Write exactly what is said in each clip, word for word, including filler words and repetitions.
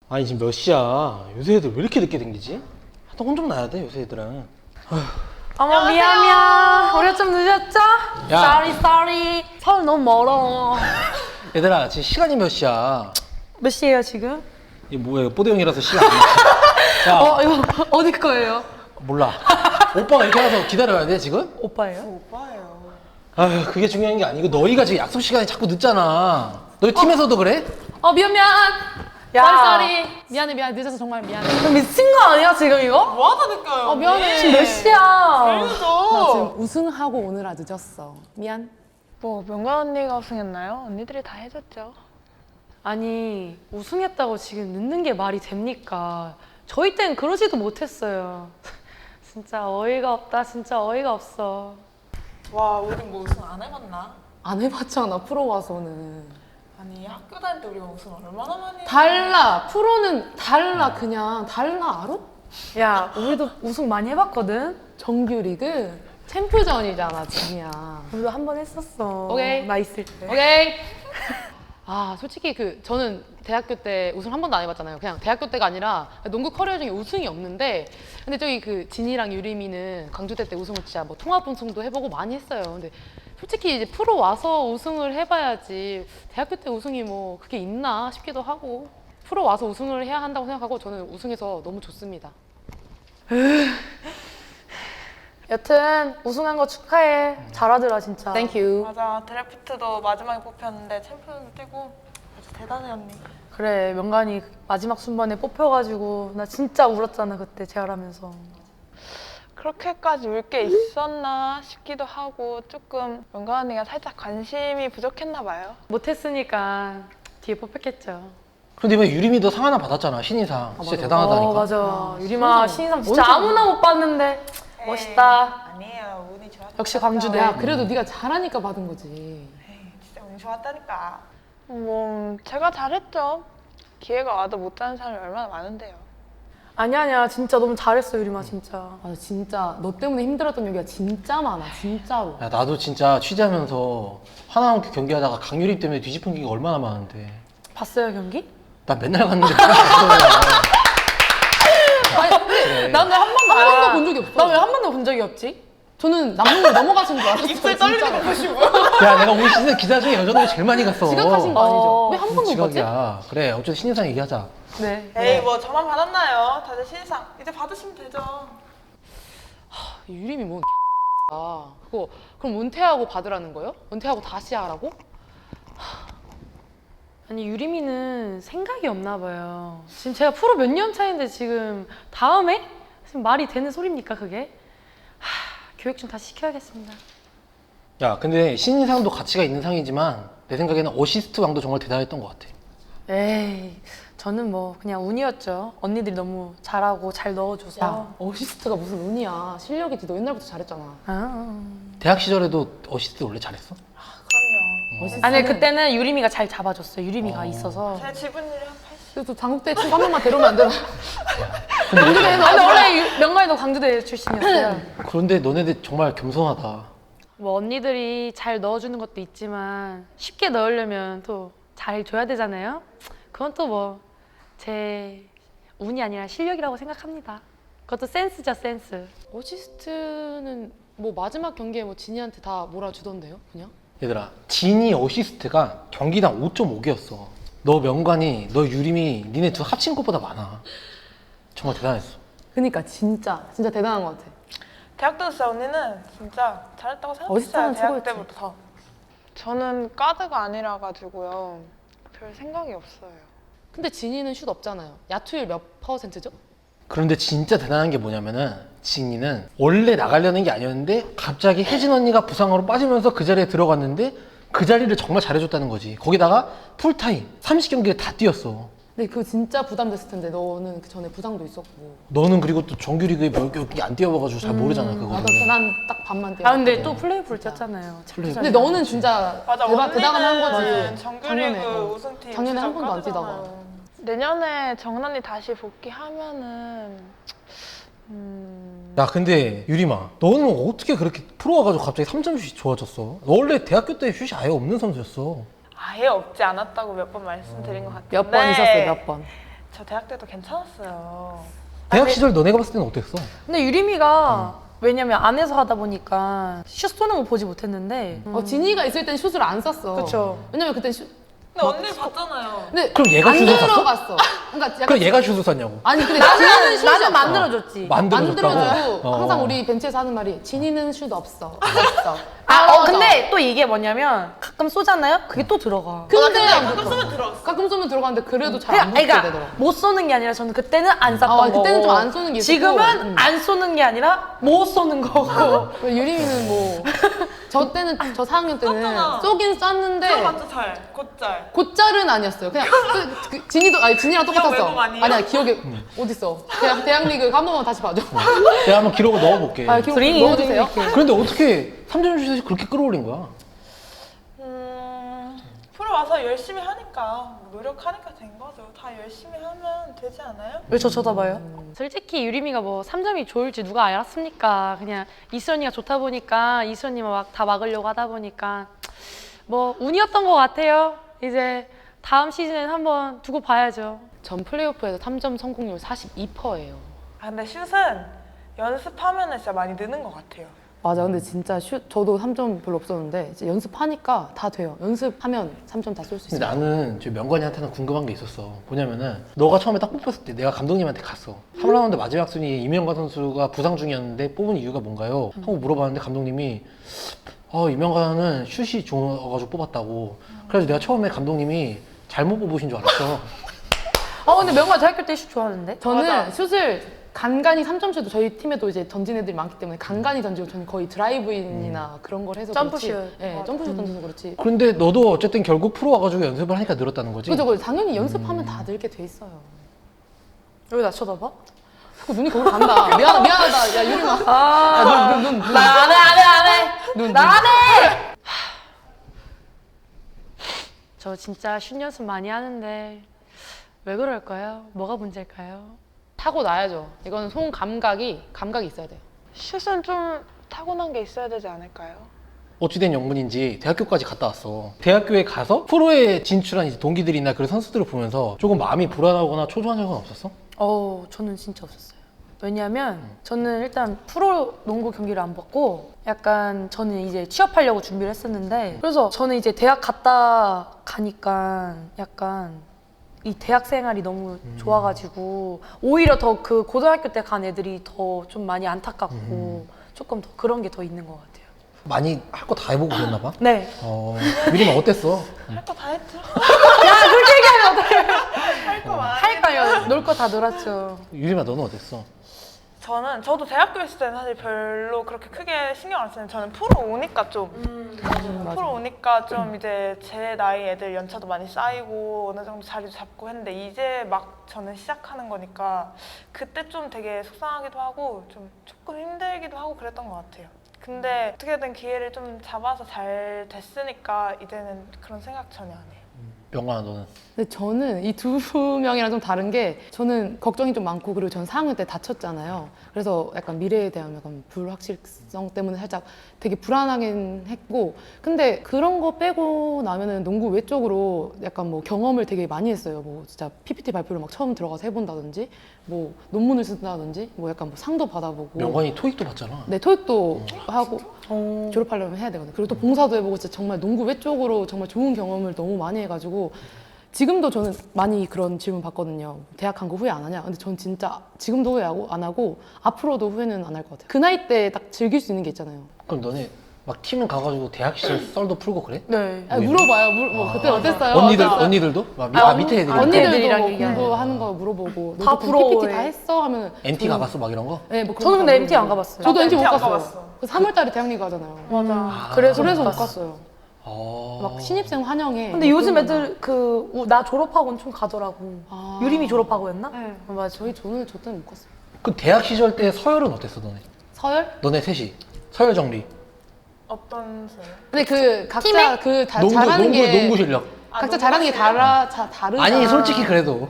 아니 지금 몇 시야? 요새 애들 왜 이렇게 늦게 댕기지? 하여튼 혼 좀 나야 돼 요새 애들은. 어머 미안 미안 우리가 좀 늦었죠? 야. Sorry sorry 서울 너무 멀어. 얘들아 지금 시간이 몇 시야? 몇 시예요 지금? 이게 뭐예요? 뽀대형이라서 시간 안 돼. 야 어 이거 어디 거예요? 몰라. 오빠가 이렇게 와서 기다려야 돼 지금? 오빠예요? 오빠예요. 아휴 그게 중요한 게 아니고 너희가 지금 약속 시간이 자꾸 늦잖아. 너희 팀에서도 그래? 어 미안 미안. 야. 쏘리 쏘리. 미안해 미안해 늦어서 정말 미안해. 너 미친 거 아니야 지금 이거? 뭐 하다니까요? 어 미안해. 지금 몇 시야? 나 그래도 지금 우승하고 오느라 늦었어. 미안. 뭐 명가 언니가 우승했나요? 언니들이 다 해줬죠. 아니 우승했다고 지금 늦는 게 말이 됩니까? 저희 땐 그러지도 못했어요. 진짜 어이가 없다 진짜 어이가 없어. 와 우리 뭐 우승 안 해봤나? 안 해봤잖아 프로 와서는. 아니 학교 다닐 때 우리가 우승 얼마나 많이 했는데. 달라 프로는 달라 그냥 달라 알아? 야 우리도 우승 많이 해봤거든? 정규리그 챔프전이잖아 지금이야. 우리도 한 번 했었어. 오케이. 나 있을 때. 오케이. 아 솔직히 그 저는 대학교 때 우승 한 번도 안 해봤잖아요. 그냥 대학교 때가 아니라 농구 커리어 중에 우승이 없는데 근데 저기 그 진이랑 유림이는 광주대 때 우승을 진짜 뭐 통합 우승도 해보고 많이 했어요. 근데 솔직히 이제 프로 와서 우승을 해봐야지 대학교 때 우승이 뭐 그게 있나 싶기도 하고 프로 와서 우승을 해야 한다고 생각하고 저는 우승해서 너무 좋습니다. 여튼 우승한 거 축하해. 잘하더라 진짜. 땡큐. 맞아 드래프트도 마지막에 뽑혔는데 챔피언도 뛰고 아주 대단해 언니. 그래 명간이 마지막 순번에 뽑혀가지고 나 진짜 울었잖아 그때 재활하면서. 그렇게까지 울 게 있었나 싶기도 하고 조금 명가 언니가 살짝 관심이 부족했나 봐요. 못했으니까 뒤에 뽑혔겠죠. 그런데 이번에 유림이도 상 하나 받았잖아 신인상. 진짜 맞아. 대단하다니까. 어 맞아. 아, 유림아 신인상. 신인상 진짜 언제 아무나 못 봤는데 에이, 멋있다. 아니에요 운이 좋았다. 역시 광주대. 야 그래도 네가 잘하니까 받은 거지. 에이, 진짜 운이 좋았다니까. 뭐 제가 잘했죠. 기회가 와도 못 가는 사람이 얼마나 많은데요. 아니야 아니야 진짜 너무 잘했어 유림아 진짜. 아 진짜 너 때문에 힘들었던 얘기가 진짜 많아 진짜로. 야 나도 진짜 취재하면서 하나원 경기하다가 강유림 때문에 뒤집힌 게 얼마나 많은데. 봤어요 경기? 나 맨날 갔는데 그걸 봤어. 그래. 난 왜 한 번도 한 번도 본 적이 없어. 나 왜 한 번도 본 적이 없지? 저는 남궁을 넘어가신 줄 알았어요. 입술 떨리는 거 보시고. 야 내가 올 시즌 기자 중에 여자들이 제일 많이 갔어. 지각하신 거 아니죠? 어, 왜 한 번도 못 봤지? 지각이야. 그래 어쨌든 신인상 얘기하자. 네. 에이 뭐 저만 받았나요? 다들 신상 이제 받으시면 되죠. 유림이 뭔 아, 그거 그럼 은퇴하고 받으라는 거예요? 은퇴하고 다시 하라고? 아니 유림이는 생각이 없나 봐요. 지금 제가 프로 몇 년 차인데 지금 다음에? 지금 말이 되는 소리입니까 그게? 하, 교육 좀 다시 시켜야겠습니다. 야 근데 신인상도 가치가 있는 상이지만 내 생각에는 어시스트 왕도 정말 대단했던 것 같아. 에이 저는 뭐 그냥 운이었죠. 언니들이 너무 잘하고 잘 넣어줘서. 야 어시스트가 무슨 운이야. 실력이지. 너 옛날부터 잘했잖아. 아. 대학 시절에도 어시스트 원래 잘했어? 그럼요. 어시스트는- 아니 그때는 유림이가 잘 잡아줬어요. 유림이가 어. 있어서. 제 지분율이 한 팔십. 그래서 장국대 친구 한 명만 데려오면 안 되나? 광주대 너 아니 원래 유- 명관이도 광주대 출신이었어요. 그런데 너네들 정말 겸손하다. 뭐 언니들이 잘 넣어주는 것도 있지만 쉽게 넣으려면 또 잘 줘야 되잖아요. 그건 또 뭐 제 운이 아니라 실력이라고 생각합니다. 그것도 센스죠 센스. 어시스트는 뭐 마지막 경기에 뭐 진이한테 다 몰아주던데요? 그냥? 얘들아 진이 어시스트가 경기당 오 점 오 개였어. 너 명관이 너 유림이 니네 둘 합친 것보다 많아. 정말 대단했어. 그니까 진짜 진짜 대단한 것 같아. 대학 때 진짜 언니는 진짜 잘했다고 생각했어요. 어시스트는 대학 최고였지. 때부터. 저는 가드가 아니라 가지고요. 별 생각이 없어요. 근데 진이는 슛 없잖아요. 야투율 몇 퍼센트죠? 그런데 진짜 대단한 게 뭐냐면은 진이는 원래 나가려는 게 아니었는데 갑자기 혜진 언니가 부상으로 빠지면서 그 자리에 들어갔는데 그 자리를 정말 잘해줬다는 거지. 거기다가 풀타임 삼십 경기를 다 뛰었어. 근데 그거 진짜 부담됐을 텐데 너는 그 전에 부상도 있었고. 너는 그리고 또 정규리그에 몇 경기 안 뛰어봐가지고 잘 모르잖아 그거는. 나도 난 딱 반만 뛰어. 아 근데 또 플레이오프를 뛰었잖아요. 플레이오프. 근데 너는 진짜 맞아 대박 대단한 한 언니는 거지. 정규리그 작년에, 어. 우승팀 작년에 한 진짜 번도 안 뛰다가. 까드잖아요. 내년에 정은언니 다시 복귀하면은 음... 야 근데 유림아 너는 어떻게 그렇게 프로 와가지고 갑자기 삼 점 슛이 좋아졌어? 너 원래 대학교 때 슛이 아예 없는 선수였어. 아예 없지 않았다고 몇 번 말씀드린 것 같은데 몇 번 있었어요 몇 번. 저 대학 때도 괜찮았어요. 대학 시절 너네가 봤을 때는 어땠어? 근데 유림이가 왜냐면 안에서 하다 보니까 슛 쏘는 거 보지 못했는데. 어, 진이가 있을 땐 슛을 안 쐈어. 그쵸. 왜냐면 그땐 슛. 근데 언니 봤잖아요. 근데 그럼 얘가 안 슛을 쐈어? 들어갔어. 그러니까 약간 그럼 얘가 슛을 쐈냐고. 아니 근데 진이는 슛이 나는 없어. 만들어줬지. 만들어줬다고? 만들어주고 어. 항상 우리 벤치에서 하는 말이 진이는 슛 없어. 없어. 아, 어, 맞아. 근데 또 이게 뭐냐면 가끔 쏘잖아요? 그게 또 들어가. 근데 가끔 쏘면 들어갔어. 가끔 쏘면 들어가는데 그래도 잘 안 그러니까, 붙게 그러니까 되더라고. 못 쏘는 게 아니라 저는 그때는 안 쐈던 아, 거고 그때는 좀안 쏘는 게 있었고. 지금은 음. 안 쏘는 게 아니라 못 쏘는 거고 유림이는 뭐 저 때는 저 사 학년 때는 쐈잖아. 쏘긴 쐈는데 들어갔죠 잘. 곧잘. 곧잘은 아니었어요. 그냥 그, 그, 진이도 아니 진이랑 기억 똑같았어. 왜곡 아니에요? 아니야 기억에 어딨어? 대학 대학 리그 한 번만 다시 봐줘. 내가 한번 기록을 넣어볼게. 아 기록 드링이 넣어주세요. 그런데 어떻게 삼 점 슛이 그렇게 끌어올린 거야? 음, 프로 와서 열심히 하니까 노력하니까 된 거죠. 다 열심히 하면 되지 않아요? 왜 저 쳐다봐요? 솔직히 유림이가 뭐 삼 점이 좋을지 누가 알았습니까? 그냥 이수연이가 좋다 보니까 이수연이만 막 다 막으려고 하다 보니까 뭐 운이었던 것 같아요. 이제 다음 시즌엔 한번 두고 봐야죠. 전 플레이오프에서 삼 점 성공률 사십이 퍼센트예요. 아 근데 슛은 연습하면 진짜 많이 느는 것 같아요. 맞아. 근데 진짜 슛 저도 삼 점 별로 없었는데 이제 연습하니까 다 돼요. 연습하면 삼 점 다 쏠 수 근데 있어요. 나는 저 명관이한테는 궁금한 게 있었어. 뭐냐면은 너가 처음에 딱 뽑혔을 때 내가 감독님한테 갔어. 삼 라운드 마지막 순위 이명관 선수가 부상 중이었는데 뽑은 이유가 뭔가요? 하고 물어봤는데 감독님이 아 이명관은 슛이 좋아가지고 뽑았다고. 그래서 내가 처음에 감독님이 잘못 뽑으신 줄 알았어. 아 근데 명관 대학교 때 슛 좋아하는데? 저는 맞아. 슛을 간간히 삼 점 슛도 저희 팀에도 이제 던진 애들이 많기 때문에 간간히 던지고 저는 거의 드라이브인이나 그런 걸 해서 점프슛. 그렇지. 네, 점프슛 던져서 그렇지. 그런데 너도 어쨌든 결국 프로 와가지고 연습을 하니까 늘었다는 거지? 그죠, 그죠. 당연히 연습하면 다 늘게 돼 있어요. 왜 나 쳐다봐? 자꾸 눈이 거기로 간다. 미안, 미안하다. 야, 유림아. 아, 야, 눈, 눈, 눈. 나 안 해, 안 해, 안 해. 눈, 나 눈. 안 해. 저 진짜 슛 연습 많이 하는데 왜 그럴까요? 뭐가 문제일까요? 타고 나야죠. 이거는 손 감각이, 감각이 있어야 돼요. 슛은 좀 타고난 게 있어야 되지 않을까요? 어찌된 영문인지 대학교까지 갔다 왔어. 대학교에 가서 프로에 진출한 이제 동기들이나 그런 선수들을 보면서 조금 마음이 불안하거나 초조한 적은 없었어? 어, 저는 진짜 없었어요. 왜냐면 저는 일단 프로 농구 경기를 안 봤고 약간 저는 이제 취업하려고 준비를 했었는데 그래서 저는 이제 대학 갔다 가니까 약간 이 대학 생활이 너무 좋아가지고 오히려 더 그 고등학교 때 간 애들이 더 좀 많이 안타깝고 조금 더 그런 게 더 있는 것 같아요. 많이 할 거 다 해보고 그랬나 봐? 네. 어, 유림아 어땠어? 할 거 다 했죠. 야, 그렇게 얘기하면 어떡해. 할 거 많아. 할까요? 놀 거 다 놀았죠. 유림아 너는 어땠어? 저는 저도 대학교 있을 때는 사실 별로 그렇게 크게 신경 안 쓰는데 저는 프로 오니까 좀 프로 오니까 좀 이제 제 나이 애들 연차도 많이 쌓이고 어느 정도 자리도 잡고 했는데 이제 막 저는 시작하는 거니까 그때 좀 되게 속상하기도 하고 좀 조금 힘들기도 하고 그랬던 것 같아요. 근데 어떻게든 기회를 좀 잡아서 잘 됐으니까 이제는 그런 생각 전혀 안 해요. 명관아 너는? 근데 저는 이 두 명이랑 좀 다른 게 저는 걱정이 좀 많고 그리고 전 사 학년 때 다쳤잖아요. 그래서 약간 미래에 대한 약간 불확실성 때문에 살짝 되게 불안하긴 했고 근데 그런 거 빼고 나면은 농구 외적으로 약간 뭐 경험을 되게 많이 했어요. 뭐 진짜 피피티 발표를 막 처음 들어가서 해본다든지 뭐 논문을 쓴다든지 뭐 약간 뭐 상도 받아보고 명관이 토익도 봤잖아. 네, 토익도 하고 어. 졸업하려면 해야 되거든요. 그리고 또 봉사도 해보고 진짜 정말 농구 외적으로 정말 좋은 경험을 너무 많이 해가지고 지금도 저는 많이 그런 질문 받거든요. 대학 간 거 후회 안 하냐? 근데 전 진짜 지금도 후회 안 하고 앞으로도 후회는 안 할 것 같아요. 그 나이 때 딱 즐길 수 있는 게 있잖아요. 그럼 너네 막 팀은 가가지고 대학 시절 썰도 풀고 그래? 네. 아, 물어봐요. 물, 뭐 그때 어땠어요? 언니들, 어땠어요? 언니들도? 막 미, 아, 아, 밑에 애들이 언니- 언니들도 애들이랑 뭐 얘기하는 공부하는 거 물어보고 다 너도 그럼 부러워해. 피피티 다 했어? 하면 엠티 저는- 가봤어 막 이런 거? 네, 뭐 그런 저는 거 근데 다 엠티 안 물어보고. 가봤어요. 저도 엠티 못 엠티 안 갔어요. 가봤어. 그 삼월달에 대학리 가잖아요. 맞아. 아. 그래서, 그래서 못 갔어. 갔어요. 어... 막 신입생 환영회. 근데 뭐 요즘 그런 거. 애들 그 나 졸업하고는 좀 가더라고. 아. 유림이 졸업하고였나? 네. 어, 맞아. 저희 저는 저 때는 못 갔어요. 그 대학 시절 때 서열은 어땠어 너네? 서열? 너네 셋이 서열 정리. 어떤 수? 근데 그 각자 팀에? 그 다, 농구, 잘하는 농구, 게 농구 실력. 아, 각자 농구 잘하는 게 실력? 달라 자, 다르잖아. 아니 솔직히 그래도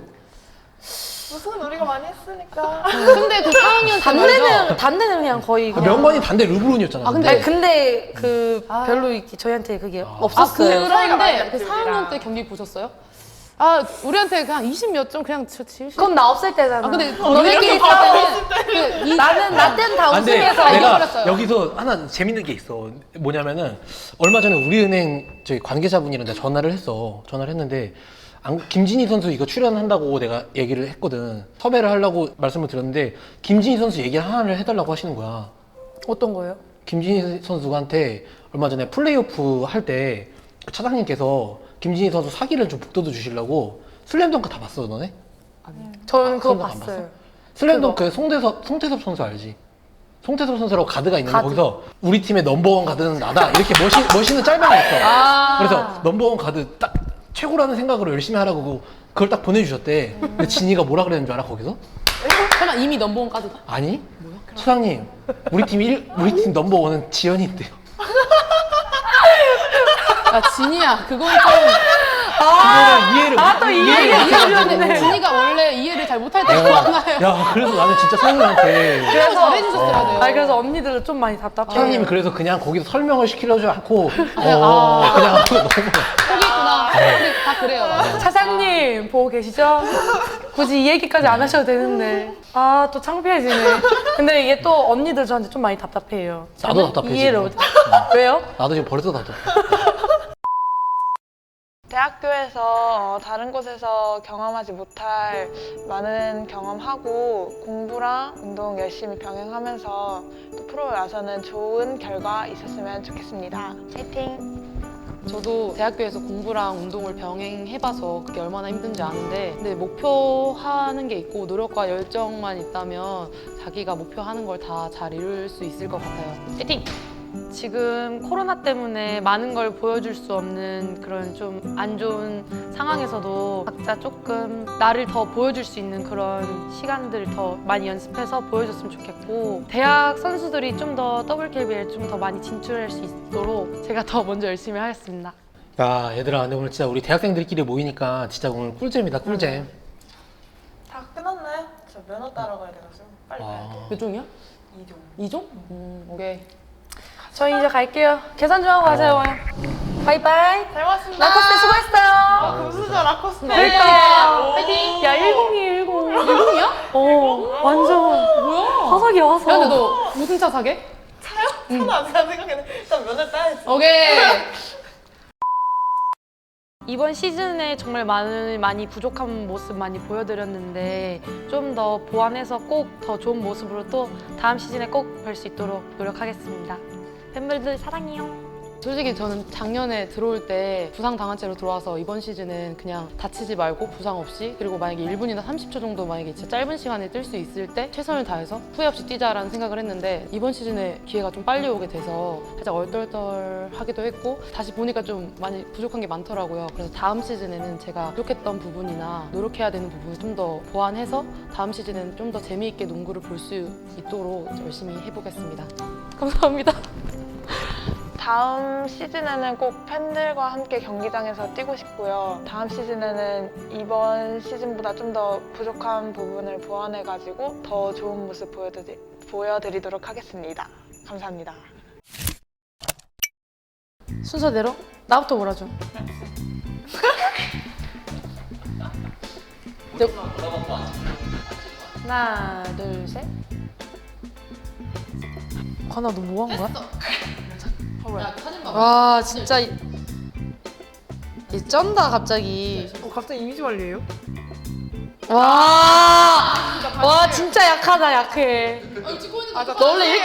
무슨 우리가 많이 했으니까. 근데 그 사 학년 때 말이죠. 단대는 단대는 그냥 거의 그 그냥. 명관이 단대 르브론이었잖아. 아, 근데- 아니, 근데 그 아. 별로 이렇게 저희한테 그게 아. 없었어요. 사이가 많이 그런데 그 났지, 사 학년 우리랑. 때 경기 보셨어요? 아 우리한테 그냥 이십 몇 점 그냥 저 칠십. 그건 나 없을 때잖아. 아 근데 너네끼리 있을 때는 그 이- 나는 나 때는 다 아, 근데 우승해서 내가 이겨버렸어요. 여기서 하나 재밌는 게 있어. 뭐냐면은 얼마 전에 우리은행 저희 관계자분이랑 내가 전화를 했어. 전화를 했는데 안- 김진희 선수 이거 출연한다고 내가 얘기를 했거든. 섭외를 하려고 말씀을 드렸는데 김진희 선수 얘기 하나를 해달라고 하시는 거야. 어떤 거예요? 김진희 선수한테 얼마 전에 플레이오프 할 때 그 차장님께서 김진희 선수 사기를 좀 북돋워 주시려고 슬램덩크 다 봤어 너네? 저는 그거 그건 안 봤어요. 슬램덩크에 송대섭, 송태섭 선수 알지? 송태섭 선수라고 가드가 있는데 가드. 거기서 우리 팀의 넘버원 가드는 나다 이렇게 멋있, 멋있는 짤방이 있어. 아. 그래서 넘버원 가드 딱 최고라는 생각으로 열심히 하라고 그걸 딱 보내주셨대. 근데 진이가 뭐라 그랬는 줄 알아 거기서? 설마 이미 넘버원까지다? 아니 차장님 우리 팀 일, 우리 팀 넘버원은 지연이인데요. 야 진이야 그건 좀 그거는 이해를 아, 또 이해를 이해가 못 해가지고. 이해하는데 진이가 원래 이해를 잘 못할 때가 많아요. 야 그래서 나는 진짜 사장님한테 그래서 잘해주셨어야 돼요. 아니 그래서 언니들은 좀 많이 답답해. 사장님이 그래서 그냥 거기서 설명을 시키려지 않고 그냥, 어, 아. 그냥 너무 포기했구나. 우리 다 그래요. 맞아. 차장님 보고 계시죠? 굳이 이 얘기까지 안 하셔도 되는데 아 또 창피해지네. 근데 이게 또 언니들 저한테 좀 많이 답답해요. 나도 답답해 이해를 지금. 못. 왜요? 나도 지금 벌써 답답해. 대학교에서 어, 다른 곳에서 경험하지 못할 많은 경험하고 공부랑 운동 열심히 병행하면서 또 프로에 와서는 좋은 결과 있었으면 좋겠습니다. 화이팅! 저도 대학교에서 공부랑 운동을 병행해봐서 그게 얼마나 힘든지 아는데 근데 목표하는 게 있고 노력과 열정만 있다면 자기가 목표하는 걸 다 잘 이룰 수 있을 것 같아요. 파이팅! 지금 코로나 때문에 많은 걸 보여줄 수 없는 그런 좀 안 좋은 상황에서도 각자 조금 나를 더 보여줄 수 있는 그런 시간들을 더 많이 연습해서 보여줬으면 좋겠고 대학 선수들이 좀 더 더블케이비엘 좀 더 많이 진출할 수 있도록 제가 더 먼저 열심히 하겠습니다. 야 얘들아 근데 오늘 진짜 우리 대학생들끼리 모이니까 진짜 오늘 꿀잼이다 꿀잼. 다 끝났나요? 저 면허 따러 가야 돼가지고 빨리 가야 돼요. 아, 몇 종이야? 이종. 이 종? 음, 오케이. 저희 이제 갈게요. 계산 좀 하고 가세요. 바이바이. 잘 먹었습니다. 라코스테 수고했어요. 금수저 라코스테. 그러니까. 파이팅! 야 일공이에요 일공. 일공이야? 어 완전 뭐야? 화석이야 화석. 야, 근데 너 무슨 차 사게? 차는 안 사는 생각했는데 일단 면허 따야지. 오케이. 이번 시즌에 정말 많은 많이 부족한 모습 많이 보여드렸는데 좀 더 보완해서 꼭 더 좋은 모습으로 또 다음 시즌에 꼭 뵐 수 있도록 노력하겠습니다. 팬분들 사랑해요. 솔직히 저는 작년에 들어올 때 부상 당한 채로 들어와서 이번 시즌은 그냥 다치지 말고 부상 없이 그리고 만약에 일 분이나 삼십 초 정도 만약에 진짜 짧은 시간에 뛸 수 있을 때 최선을 다해서 후회 없이 뛰자라는 생각을 했는데 이번 시즌에 기회가 좀 빨리 오게 돼서 살짝 얼떨떨하기도 했고 다시 보니까 좀 많이 부족한 게 많더라고요. 그래서 다음 시즌에는 제가 부족했던 부분이나 노력해야 되는 부분을 좀 더 보완해서 다음 시즌에는 좀 더 재미있게 농구를 볼 수 있도록 열심히 해보겠습니다. 감사합니다. 다음 시즌에는 꼭 팬들과 함께 경기장에서 뛰고 싶고요. 다음 시즌에는 이번 시즌보다 좀 더 부족한 부분을 보완해가지고 더 좋은 모습 보여드리, 보여드리도록 하겠습니다. 감사합니다. 순서대로 나부터 몰아줘. 네. 하나 둘 셋. 하나 너 뭐 한 거야? 와 진짜 이, 이 쩐다 갑자기. 어, 갑자기 이미지 관리예요? 와, 와 진짜 약하다 약해. 너 원래 이렇게